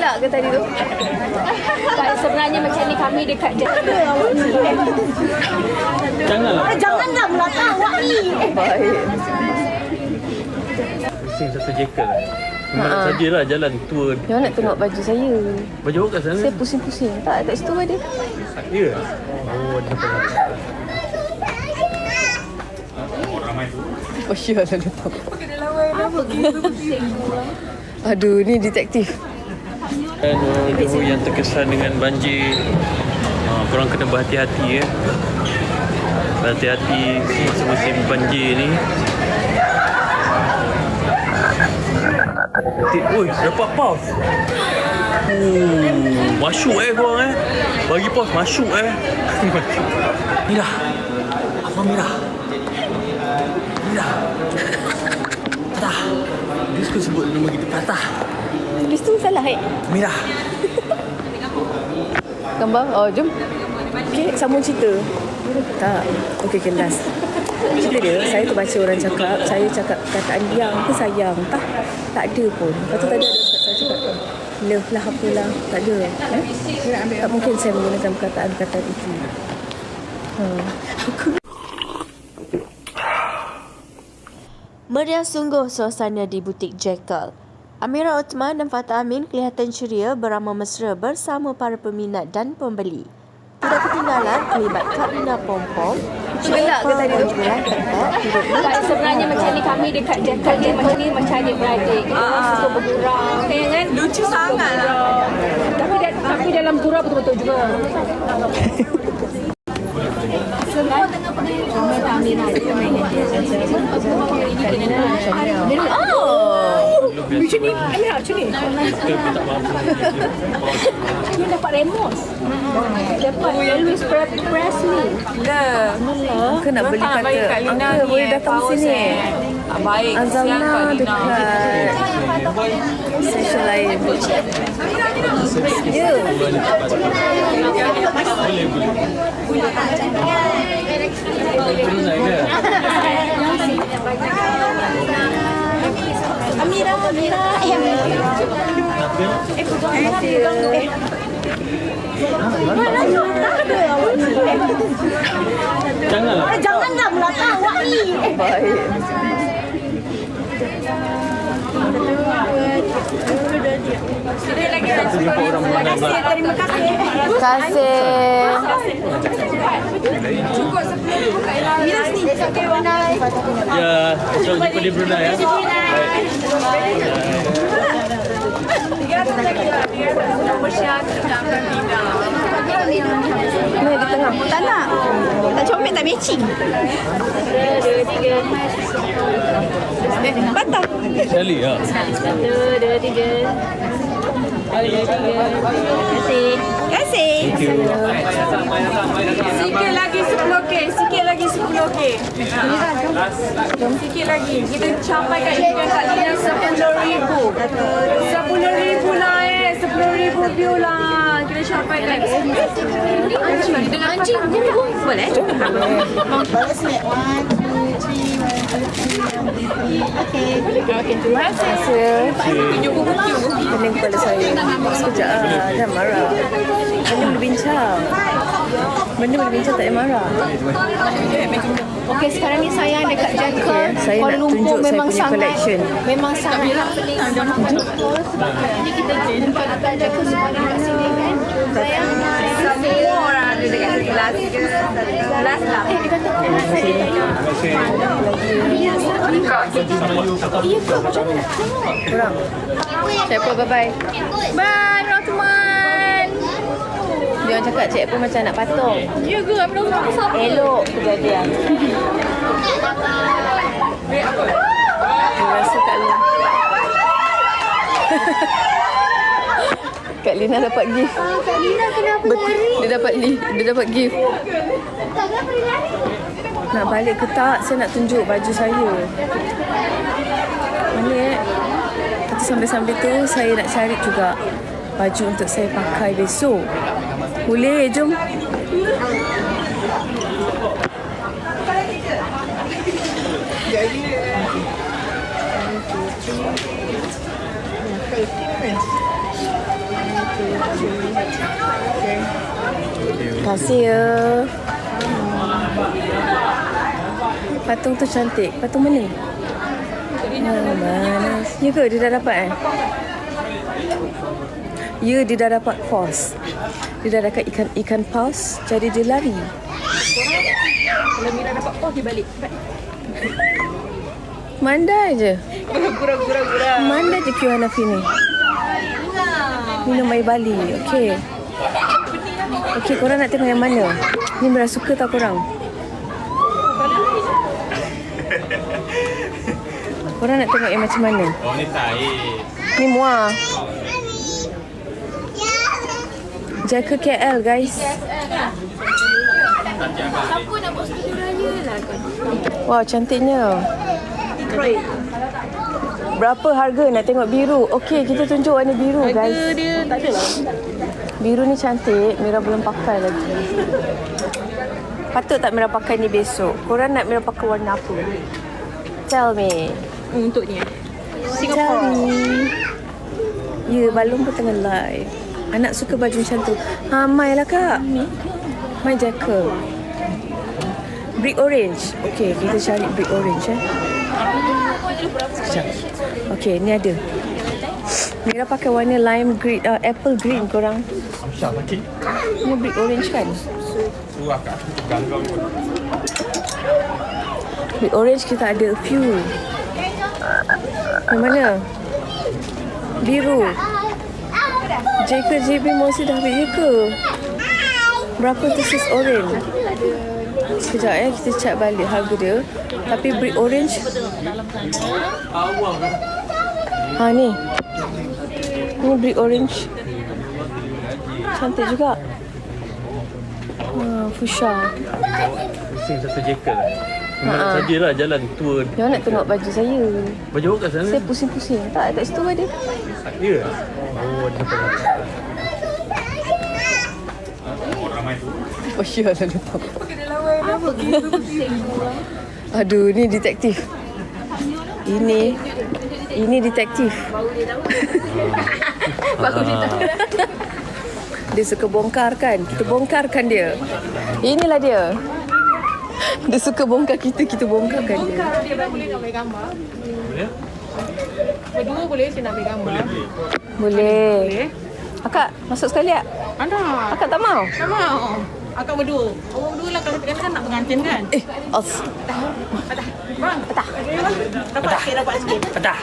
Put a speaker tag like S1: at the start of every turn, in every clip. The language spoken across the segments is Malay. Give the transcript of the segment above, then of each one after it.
S1: gelak ke tadi tu? Sebenarnya macam ni kami dekat
S2: Janganlah.
S3: Janganlah melata awak ni.
S1: Baik.
S2: Pusing satu jekel lah. Mana sajalah jalan tua.
S1: Yang nak tengok baju saya.
S2: Baju awak kat sana?
S1: Saya pusing-pusing. Tak, kat situ ada.
S2: Ya? Oh, dia nampak.
S1: Oh, sure lah letak. Aduh, ni detektif.
S2: Dan yang terkesan dengan banjir, korang kena berhati-hati ya. Berhati-hati masa musim banjir ni. Oi, dapat pause. Masuk korang Bagi pause masuk Mirah. Abang Mirah. Mirah. Patah. Dia suka sebut nama kita Patah.
S1: Tulis tu salah
S2: Mirah.
S1: Gambar? Oh, jom. Okay, sambung cerita. Tak. Okay, last. Cerita dia, saya terbaca orang cakap, saya cakap kataan yang ke sayang. Tak ada pun. Lepas tu tadi ada saya cakap, love lah apalah. Tak ada. Tak mungkin saya menggunakan perkataan-perkataan itu.
S4: Meriah sungguh suasana di butik Jekyll. Amira Othman dan Fatah Amin kelihatan ceria beramah mesra bersama para peminat dan pembeli. Tidak ketinggalan terlibat Karina Pompom,
S1: Gelak ke tadi tu?
S4: Sebenarnya macam ni kami dekat Jekyll ni macam adik-beradik. Kita suka bergurau. Kan?
S3: Lucu sangat lah.
S1: Tapi dalam gurau betul-betul juga.
S4: Semua tengah pergi Amira dia main dia.
S1: Macam ni, Amira macam ni. Dia dapat Ramos. Dapat Elvis Presley. Ke nak beli kata, Uncle boleh datang sini.
S3: Baik.
S1: Azalna dekat session lain. Ya. Amira.
S3: Janganlah melata awak ni.
S1: Baik.
S3: Terima kasih. Cukup 10 kat Mira sini. Okey, Brunei.
S2: Ya, selamat jumpa di Brunei ya.
S1: Ni di tengah. Tak nak. Tak comel, tak matching. 2, 3. Patah.
S2: Sekali ya.
S4: 1, 2, 3. Terima kasih.
S2: Thank you.
S3: Sikit lagi 10K. Sikit lagi 10K. Sikit lagi. Kita capai kat ikan kat Lina 10,000. 10,000 lah 10,000 view lah. Kita capai kat dengan anjing. Boleh?
S5: Boleh snap 1, 2, 3, 1, 2, 3. Okay.
S1: Terima kasih. Pening kepala saya. Sekejap lah. Jangan marah. Benda berbincang. Tak payah marah.
S4: Okey, sekarang ni saya dekat Jekyll.
S1: Saya nak tunjuk saya punya collection.
S4: Memang sangat pening. Jadi kita jumpa dekat Jekyll sekarang kat sini kan.
S3: Semua orang ada dekat sebelah lah.
S1: Kurang. Cik Apple, bye-bye. Bye, Rothman. Dia orang cakap Cik Apple macam nak patung.
S4: Ya ke? Amira Othman siapa?
S1: Elok kejadian. Dia rasa Kak Lina. Kak Lina dapat gift.
S5: Kak Lina kenapa lari?
S1: Dia dapat gift.
S5: Tak kenapa dia lari?
S1: Nak balik ke tak? Saya nak tunjuk baju saya. Mana Tapi sambil-sambil tu saya nak cari juga baju untuk saya pakai besok. Boleh, jom. Kasih ya. Patung tu cantik. Patung mana? Mana? Ya ke dia dah dapat Ya, dia dah dapat paus. Dia dah dapat ikan paus. Jadi dia lari.
S3: Kalau Mira dapat paus, dia balik.
S1: Mandai je.
S3: Gurau.
S1: Mandai je Q Hanafi ni. Minum air Bali. Okey. Okey, korang nak tengok yang mana? Ni Mira suka tak korang? Korang nak tengok yang macam mana?
S2: Oh, ni tahi.
S1: Ni muah. Jaga KL guys.
S3: Siapa nak buat studio raya lah kan?
S1: Wow, cantiknya. Berapa harga nak tengok biru? Okey, kita tunjuk warna biru guys.
S3: Harga dia tak ada lah.
S1: Biru ni cantik. Mira belum pakai lagi. Patut tak Mira pakai ni besok? Korang nak Mira pakai warna apa? Tell me.
S3: Untuk ni.
S1: Tell me. Ya, balon pun tengah live. Anak suka baju macam tu. Ha, Mai lah kak. Mai jacket. Brick orange. Okey, kita cari brick orange Sekejap. Okey, ni ada. Mira pakai warna lime green, apple green korang. Ni brick orange kan? Brick orange kita ada a few. Yang mana? Biru. JB Mosi dah habis je ke? Berapa tu sis orange? Sekejap kita check balik harga dia. Tapi brick orange. Ha ni. Ni brick orange. Cantik juga. Fuchsia.
S2: Pusing satu jacket lah. Mana sajalah jalan tour.
S1: Jangan nak tengok baju saya.
S2: Baju awak kat sana?
S1: Saya pusing-pusing. Tak, kat situ ada.
S2: Ya? Oh, dia dapat.
S1: Oh, sure lah lupa. Aduh, ni detektif. Ini detektif. Dia suka bongkar kan? Kita bongkarkan dia. Inilah dia. Dia suka bongkar kita bongkarkan dia.
S3: Dia boleh nak ambil gambar.
S2: Boleh?
S3: Berdua boleh saya nak ambil gambar.
S1: Boleh. Akak, masuk sekali tak?
S3: Ada.
S1: Akak tak mau?
S3: Tak mau. Akak berdua. Awak berdua lah kalau kita kan nak pengantin kan? Bang. Petah. Dapat sikit, dapat sikit.
S2: Petah.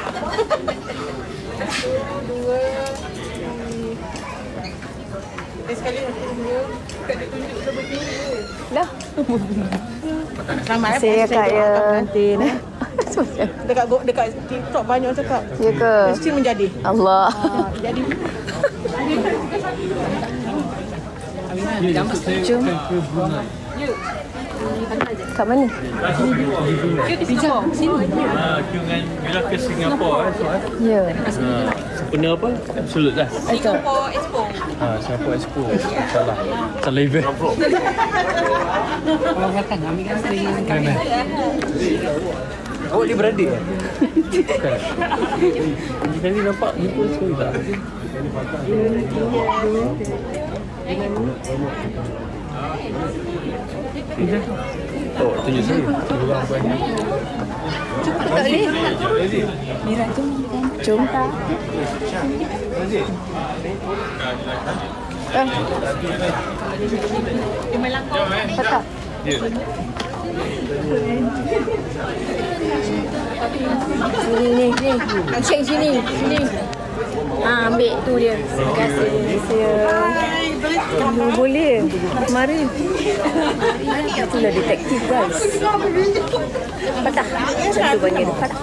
S3: Sekali dua. Tak ada tunjuk seperti ni.
S1: Dah.
S3: Selamat
S1: Saya Kak ya.
S3: pengantin. Dekat TikTok banyak cakap.
S1: Ya ke?
S3: Mesti menjadi.
S1: Allah.
S3: Jadi.
S1: Jom. Kat mana?
S3: Di Singapura. Sini.
S2: Dengan bila ke Singapura
S1: Ya.
S2: Sempena apa? Absolut lah.
S3: Singapore Expo.
S2: Singapore Expo. Salah event. Awak dia beradik kan? Bukan. Kali nampak jumpa sekali tak? Oh, tunjuk saya. Orang banyak.
S1: Tak boleh. Mira, jom. Patah.
S2: Ya.
S1: Sini. Cek sini. Ambil tu dia. Terima kasih. Boleh. Mari. Itulah detektif guys. Patah. Macam tu banyak dia. Patah.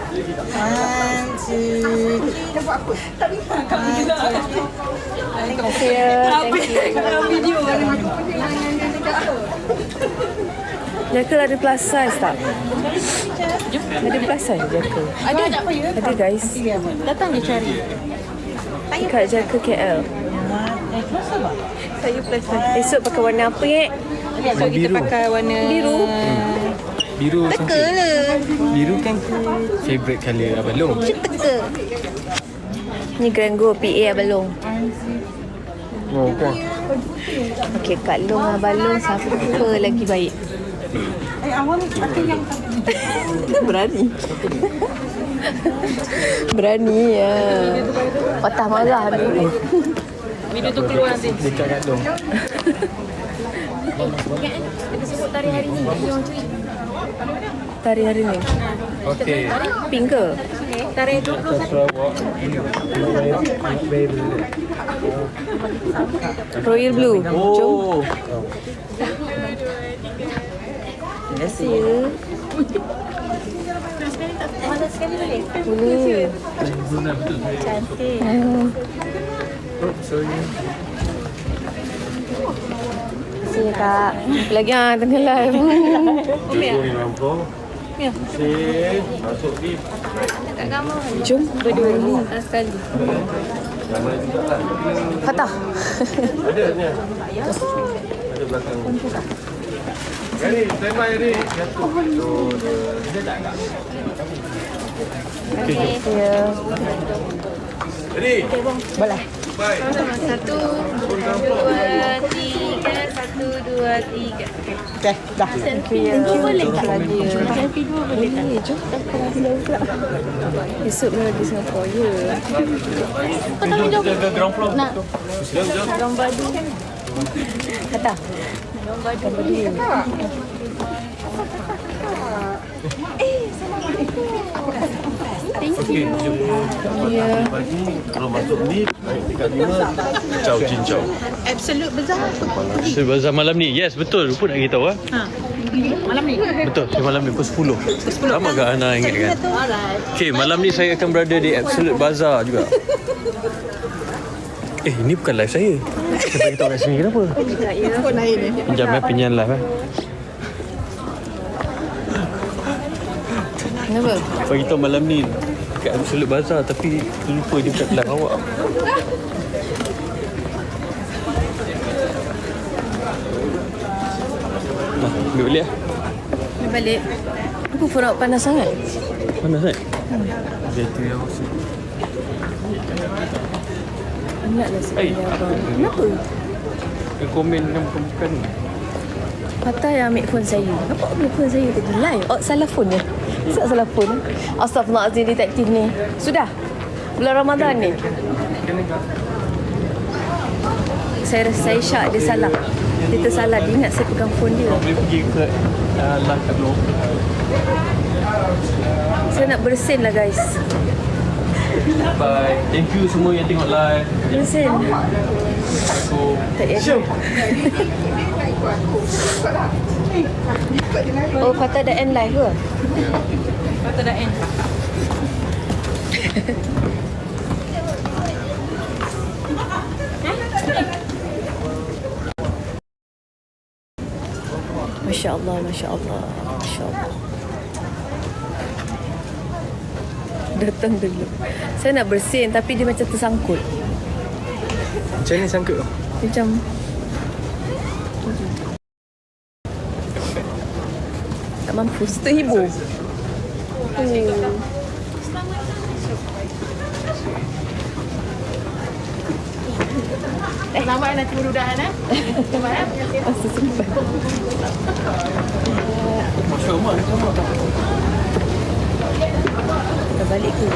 S1: Terima kasih ya. Thank you. Jackal ada plus size tak? Ada plus size Jackal?
S3: Ada tak apa ya?
S1: Ada guys.
S3: Datang je cari.
S1: Kat Jackal KL.
S3: Saya plus size.
S1: Esok pakai warna apa ye?
S3: So kita pakai warna
S1: Biru.
S2: Biru
S3: teka lah.
S2: Biru kan favorite colour Abang Long.
S3: Teka.
S1: Ni Grand Go PA Abalong.
S2: Oh, kuah.
S1: Okey, Kak Long dengan Balong siapa lagi baik? Berani. Berani ya. Patah marah ni.
S3: Video tu keluar nanti.
S2: Dekat kat dong.
S3: Kita sebut tari hari ni. Yang cuy.
S1: Tari hari ni.
S2: Okey.
S1: Pink ke?
S3: Tari 20.
S2: Sarawak.
S1: Royal Blue. Jom.
S2: Oh.
S1: Terima kasih.
S3: Mana sekali boleh?
S1: Boleh.
S3: Cantik.
S2: Oh, sorry.
S1: Terima kasih Kak. Lagi tengah live.
S3: Kat gambar.
S1: Jom berdua ni.
S3: Sekali.
S1: Fatah.
S2: Ada ni. Ada belakang. Ready, stand by ready.
S1: Ya.
S2: Ready.
S1: Boleh.
S2: Bye.
S3: 1, 2, 3. 1, 2, 3.
S1: Okay, dah. Selfie boleh tak lagi? Selfie dua boleh tak? Jom. Esok ni lagi Singapura, ya.
S3: Kau tak jom.
S2: Ground floor.
S3: Nak. Gambar tu.
S1: Kata. Gambar dia.
S3: Thank you.
S1: Ya.
S6: Kalau masuk ni, naik tingkat 5, ciao cincau.
S5: Absolute Bazaar.
S6: Sebazar malam ni, yes betul. Rupa nak beritahu ah.
S5: Malam ni.
S6: Betul, malam ni pukul 10. Sama ke Ana ingat kan? Okay, malam ni saya akan berada di Absolute Bazaar juga. Ini bukan live saya. Saya bagi tahu kat sini kenapa?
S5: Phone lain ni.
S6: Pinjam live
S1: Kenapa?
S6: Bagi tahu malam ni kat Absolute Bazaar tapi lupa dia bukan live awak. Nah, ambil balik lah.
S1: Balik. Aku pun nak panas sangat.
S6: Panas kan? Dia tu yang
S1: Ingatlah sebenarnya abang. Kenapa?
S6: dia komen yang bukan.
S1: Patah yang ambil phone saya. Apa ambil phone saya tadi? Live? Oh, salah phone ya? Salah phone. Astaghfirullahaladzim detektif ni. Sudah? Bulan Ramadan ni? Saya rasa saya syak dia salah. Dia tersalah. Dia ingat saya pegang phone dia.
S6: Boleh pergi ke live kat blog.
S1: Saya nak bersin lah guys.
S6: Bye. Thank you semua yang tengok live.
S1: Bersin.
S6: Assalamualaikum.
S1: Tak ada. Oh, Fatah dah end live ke?
S3: Patut dah end.
S1: Masya Allah, Masya Allah, Masya Allah. Datang dulu. Saya nak bersin tapi dia macam tersangkut.
S2: Macam ni sangkut tu?
S1: Macam tak mampu. Terhibur.
S5: Selamat nanti mudah-mudahan Selamat
S1: Masa sempat.
S6: Masya Allah, sama tak?
S1: Dah balik ke?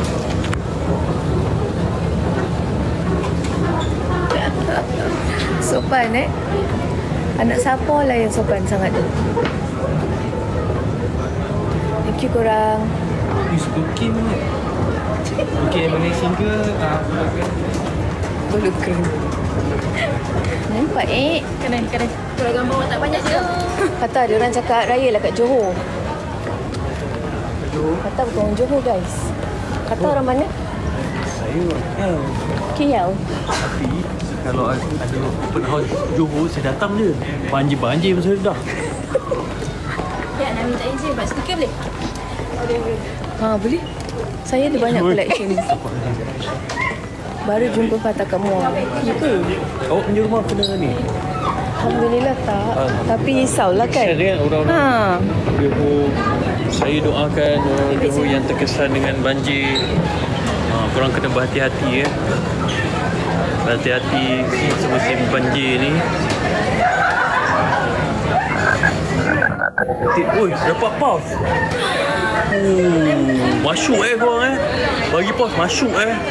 S1: Sopan Anak siapa lah yang sopan sangat tu. Thank you korang.
S2: Ni suka Kim ni. Kim Malaysia ke?
S1: Bulu keren. Nampak
S3: Kena. Kalau gambar awak tak banyak je.
S1: Kata ada orang cakap raya lah kat Johor. Kata bukan orang Johor guys. Kata orang mana?
S6: Saya
S1: KL.
S6: tapi kalau ada open house Johor, saya datang je. Banjir pun saya dah.
S3: Ya, nak minta izin buat stiker boleh?
S1: Ha, boleh. Saya ada banyak collection. Baru jumpa Fatah kat Muar. Ya ke?
S6: Awak punya rumah kena ni?
S1: Alhamdulillah tak. Tapi risaulah kan.
S6: Kesian kan orang-orang
S1: Ha.
S6: Johor. Saya doakan orang Johor yang terkesan dengan banjir. Korang kena berhati-hati ya. Hati-hati musim banjir ni. Oi, dapat pause. Masuk korang Bagi pause masuk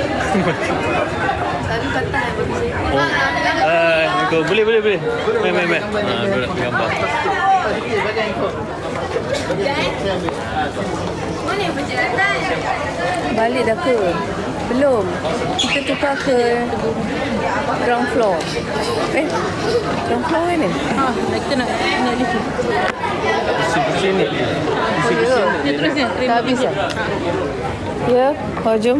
S6: Boleh. Main. Aku nak gambar.
S1: Balik dah ke? Belum. Kita tukar ke ground floor. Ground floor ni?
S3: Kita nak lift.
S6: Pusing ni.
S3: Dia terusnya.
S1: Dah habis dah? Ya, jom.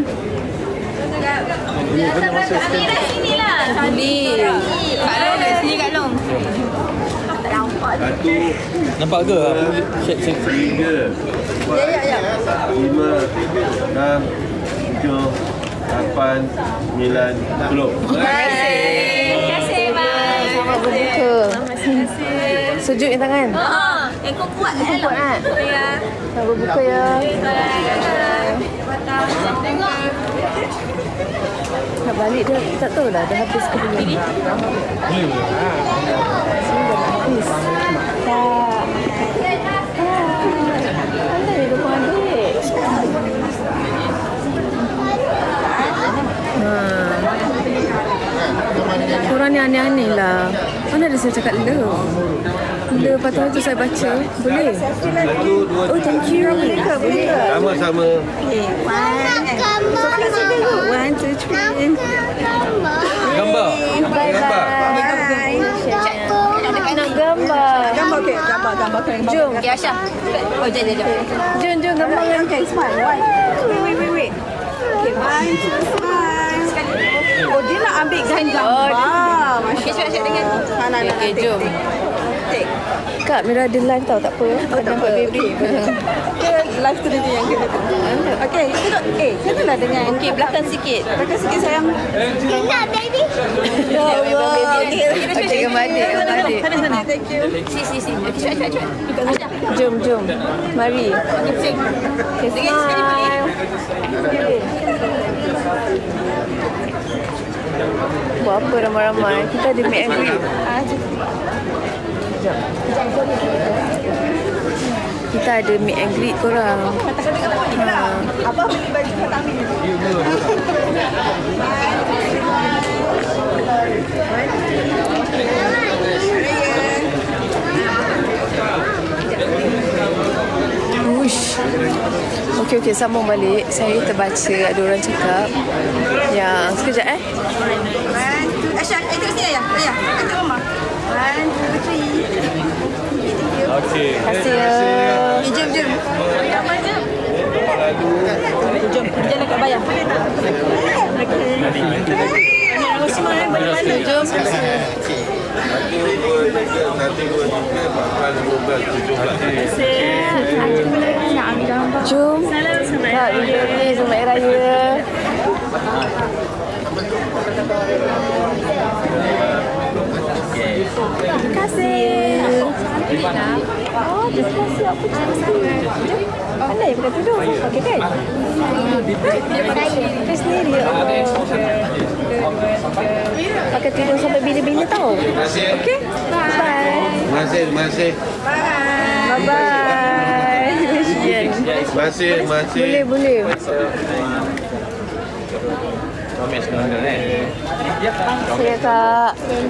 S3: Sini lah.
S1: Boleh.
S3: Kak Long kat sini, Kak Long.
S6: Nampak ke? Check.
S2: 3 4 5 6 7 8 9 10.
S3: Terima kasih, Bang.
S1: Selamat berbuka. Sejuk ni tangan.
S3: Kau kuat kan?
S1: Kuat kan?
S3: Ya.
S1: Selamat berbuka ya. Nak balik dia tak tahu lah dah habis ke belum. Sini dah habis. Tak. Pandai dia kau ambil. Korang ni aneh-aneh lah. Mana ada saya cakap le? Le lepas tu saya baca. Boleh? Oh, thank you. Boleh ke?
S2: Sama-sama.
S5: One, two, three.
S6: Gambar.
S1: Nak gambar.
S5: Gambar.
S1: Jom.
S3: Okay, Aisyah. Oh, jom.
S1: Jom gambar dengan
S5: Okay, smile. One. Wait. Okay, one, two, smile. Oh, dia nak ambil gambar.
S3: Okay, Aisyah dengan ni.
S1: Okay, jom. Kak, Mira ada live tau, tak apa. Tak nampak baby.
S5: Dia live tu dia yang kena tu. Okay, duduk. Kenalah dengan.
S3: Okay, belakang sikit.
S5: Belakang sikit sayang.
S1: Ya Allah. Okay, gambar adik.
S5: Sana. Thank you.
S3: Si. Okay, cepat. Aisyah.
S1: Jom. Mari. Okay, smile. Buat apa ramai-ramai? Kita ada meet and greet. Kita ada meet and greet korang.
S5: Abang beli baju kat Amin.
S1: Uish. Okey, sambung balik. Saya terbaca ada orang cakap yang sekejap
S5: One, two. Aisyah, tengok sini ayah. Tengok mama. One, two, three.
S6: Okey.
S1: Terima kasih ya.
S5: Jom. Jom, kita jalan kat bayar.
S1: Jom. Jom. Kak, ini Selamat Hari Raya. Terima kasih. Oh, terima kasih. Apa cantik. Pandai pakai tudung. Okey kan? Kita sendiri. Pakai tudung sampai bila-bila tau. Okey? Bye.
S2: Terima kasih.
S1: Bye-bye.
S2: Terima kasih.
S1: Boleh.
S6: Kami sekarang kan.
S1: Saya Kak.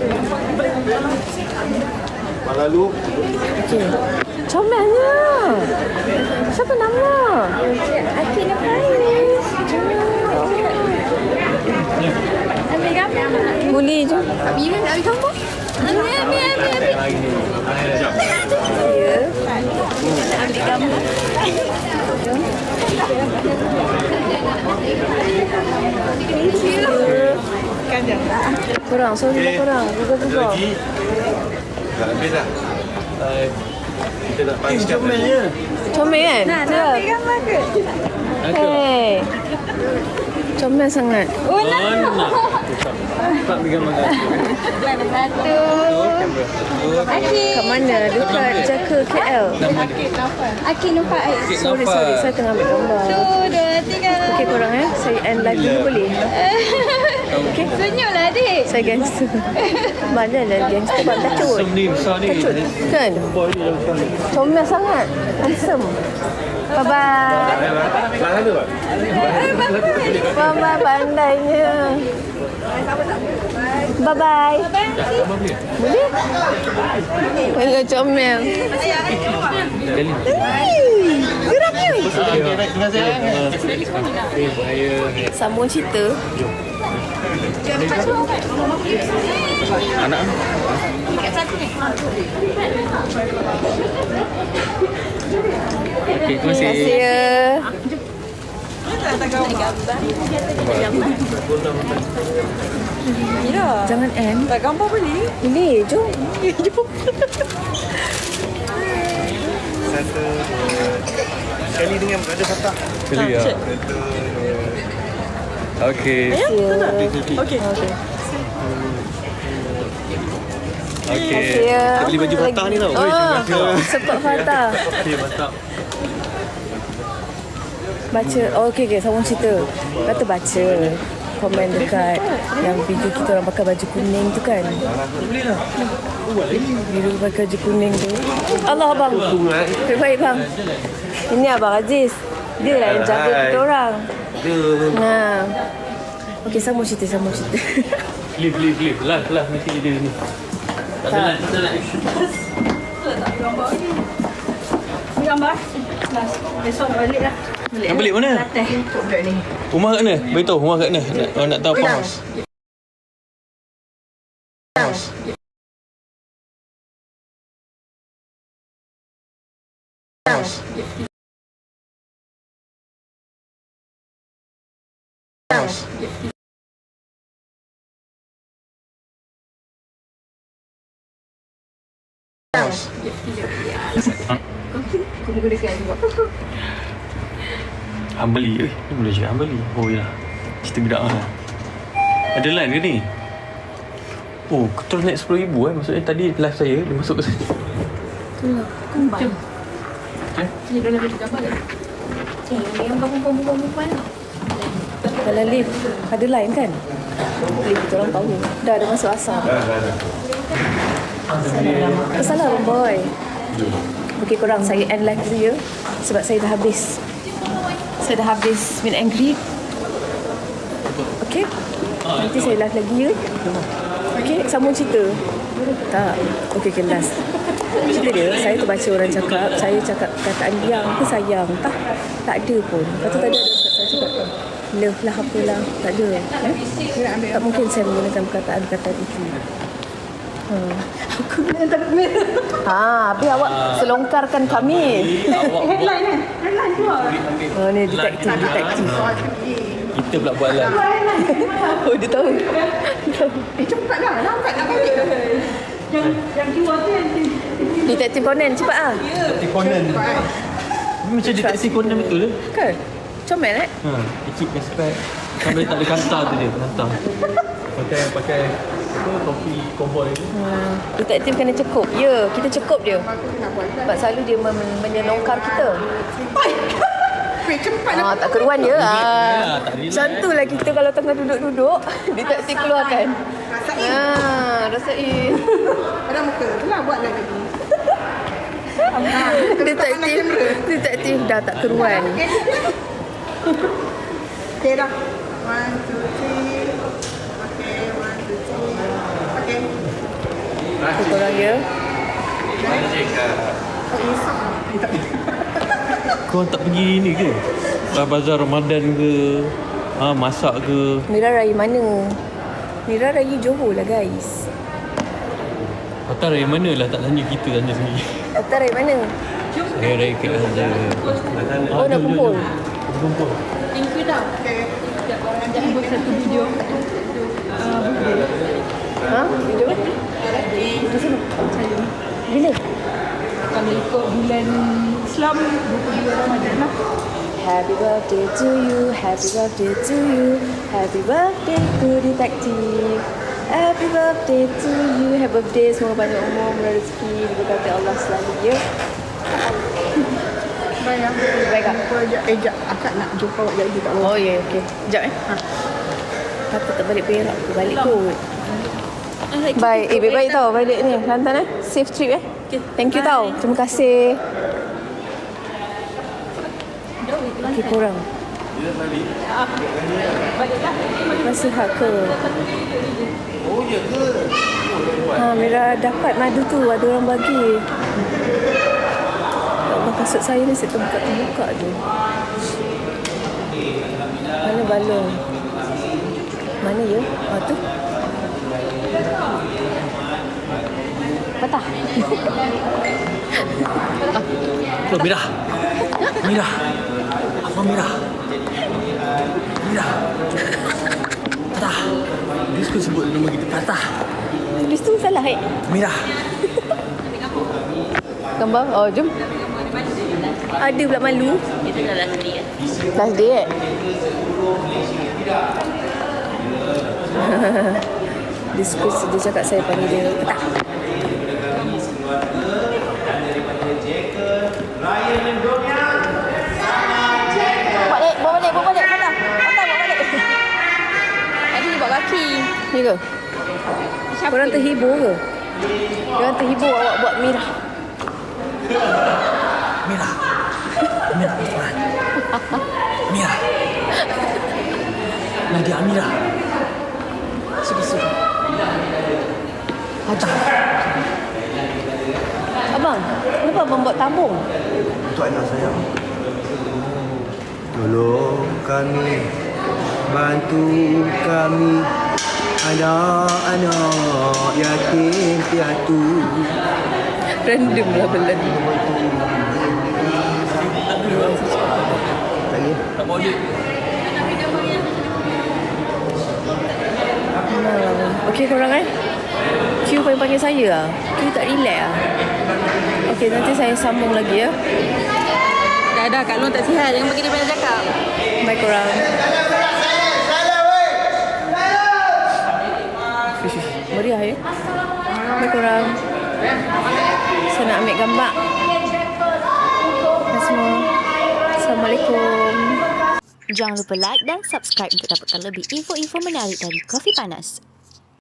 S2: Lalu
S1: Okey. Comelnya. Siapa nama? Aki Nafais. Ambil gambar. Boleh je.
S3: Ambil gambar. Ambil.
S1: Ya.
S3: Ambil gambar.
S1: Korang, sorry korang. Juga.
S2: dah habis dah. Kita nak panggil
S1: Comel kan?
S5: Nak ambil gambar ke?
S1: Hey. Comel sangat.
S5: Oh,
S6: Tak pegang makan.
S5: satu.
S1: Kat mana? Dekat Jaka KL.
S5: Aki Nufaiz.
S1: Sorry. Saya tengah ambil gambar.
S5: 1, 2, 3.
S1: Okey korang saya end live dulu boleh? Okay?
S5: Senyumlah adik.
S1: Saya gangster. Mana lah gangster buat kecut.
S6: Handsome ni, besar ni.
S1: Kecut. Kan?
S6: Boy ni dah besar ni.
S1: Comel sangat. Handsome. Bye-bye. Bye-bye pandainya. Bye-bye. Boleh? Boleh comel. Geraknya. Sambung cerita.
S6: Anak okey, terima kasih.
S1: Terima kasih ya. Jangan end.
S5: Tak gambar boleh?
S1: Boleh, jom. Jom.
S2: Sekali dengan berada Fatah.
S6: Sekali ya. Okey.
S5: Okey.
S6: Okey.
S1: Ya.
S2: Kita beli baju Fatah ni tau.
S1: Support Fatah.
S6: Okey, mantap.
S1: Baca. Oh, okey, sambung cerita. Kata baca komen dekat yang video kita orang pakai baju kuning tu kan. Video pakai baju kuning tu. Allah abang. Baik bang. Ini abang Aziz. Dia lah yang jaga kita orang. Nah. Okey, sambung cerita.
S6: Leave. Lah, nanti dia ni. Tak ada lah, kita nak
S5: Gambar. Besok nak balik lah.
S6: nak balik mana? Rumah kat mana? Beritahu rumah kat mana? Nak tahu apa house. Hambali ni boleh cakap Hambali. Oh yalah. Cerita gedak lah. Ada line ke ni? Oh, terus naik 10,000 maksudnya tadi live saya dia masuk ke sini.
S3: Ni dah lebih gambar dah. Yang perempuan.
S1: Kalau lift ada line kan? Lift kita orang tahu. Dah ada masuk asal. Salah boy. Okey korang, saya end live dulu ya. Sebab saya dah habis. Saya dah habis meet and greet. Okey. Nanti saya live lagi ya. Okey, sambung cerita. Tak. Okey, last. Cerita dia, saya tu baca orang cakap, saya cakap kataan yang ke sayang. Tak ada pun. Lepas tu tadi ada saya cakap love lah apalah. Tak ada. Tak mungkin saya menggunakan perkataan-perkataan itu.
S5: Aku nak tak merah.
S1: Habis awak selongkarkan kami.
S5: Headline keluar.
S1: Oh, ni detektif.
S6: Kita pula buat live.
S1: Oh, dia tahu.
S5: Cepatlah. Lambat nak balik. Yang keluar tu yang
S1: Detektif Conan, cepat ah.
S6: Detektif Conan. Macam detektif Conan betul ke?
S1: Kan? Comel
S6: Dia keep respect. Sampai tak ada kanta tu dia penantang. Pakai apa topi cowboy ni.
S1: Detektif kena cekup. Ya, kita cekup dia. Sebab selalu dia menyelongkar kita.
S5: cepat.
S1: Tak keruan dia.
S6: tak relax.
S1: Macam tu lah kita kalau tengah duduk-duduk, detektif keluarkan. Rasain.
S5: Pada muka. Itulah buat lagi.
S1: Detektif dah tak keruan.
S5: Okay dah. 1, 2, 3. Okay, 1, 2, 3. Okay.
S1: Korang ya.
S6: Kau tak pergi ni ke? Bazar Ramadan ke? Masak ke?
S1: Mira Raya mana? Mira Raya Johor lah guys.
S6: Patah raya mana lah tak tanya kita, tanya sendiri.
S1: Patah Raya mana?
S6: Saya raya kat saja.
S1: Oh, nak kumpul.
S6: Kumpul.
S3: Thank you dah. Ajak buat satu video.
S1: Video kan? Di sini. Bila?
S3: Kalau ikut bulan Islam 22 Ramadan lah.
S1: Happy birthday to you, happy birthday to you, happy birthday to detective. Happy birthday to you, happy birthday, semoga banyak umur, murah rezeki, diberkati Allah selalu ya. Baik tak?
S5: Aku ajak akak nak jumpa awak jadi tak.
S1: Oh ya, okey. Sekejap Aku tak balik Perak, aku balik kot. Baik, baik tau balik ni. Lantan safe trip Thank you tau. Terima kasih. Okey, korang. Masih hak ke?
S2: Oh, ya ke?
S1: Mira dapat madu tu, ada orang bagi. Ya Allah, kasut saya ni saya terbuka je. Mana balon? Mana ya? Tu. Patah.
S2: Oh, Mira. Mira. Apa Mira? Mira. Patah. Dia suka sebut nama kita Patah.
S1: Tulis tu salah
S2: Mira.
S1: Gambar? Oh, jom. Ada pula malu.
S4: Itu dah last day
S1: Last day dia cakap saya panggil dia Patah. Bawa balik Patah. Bawa balik. Tadi dia bawa kaki. Ni ke? Korang terhibur ke? Korang terhibur awak buat Mira.
S2: Mira. Mira. Mira. Nadia Amira.
S1: Sudah. Hajar. Abang, kenapa abang buat tabung?
S7: Untuk anak saya. Tolong kami, bantu kami, anak-anak yatim piatu.
S1: Random lah belan.
S7: Lagi.
S2: Tak bawa duit.
S1: Okey korang Q panggil saya lah. Q tak relax lah. Okey, nanti saya sambung lagi ya.
S5: Dah Kak Long tak sihat. Jangan bagi dia banyak cakap.
S1: Bye korang. Meriah ya. Bye korang. Saya nak ambil gambar. Hai semua. Assalamualaikum.
S4: Jangan lupa like dan subscribe untuk dapatkan lebih info-info menarik dari Kopi Panas.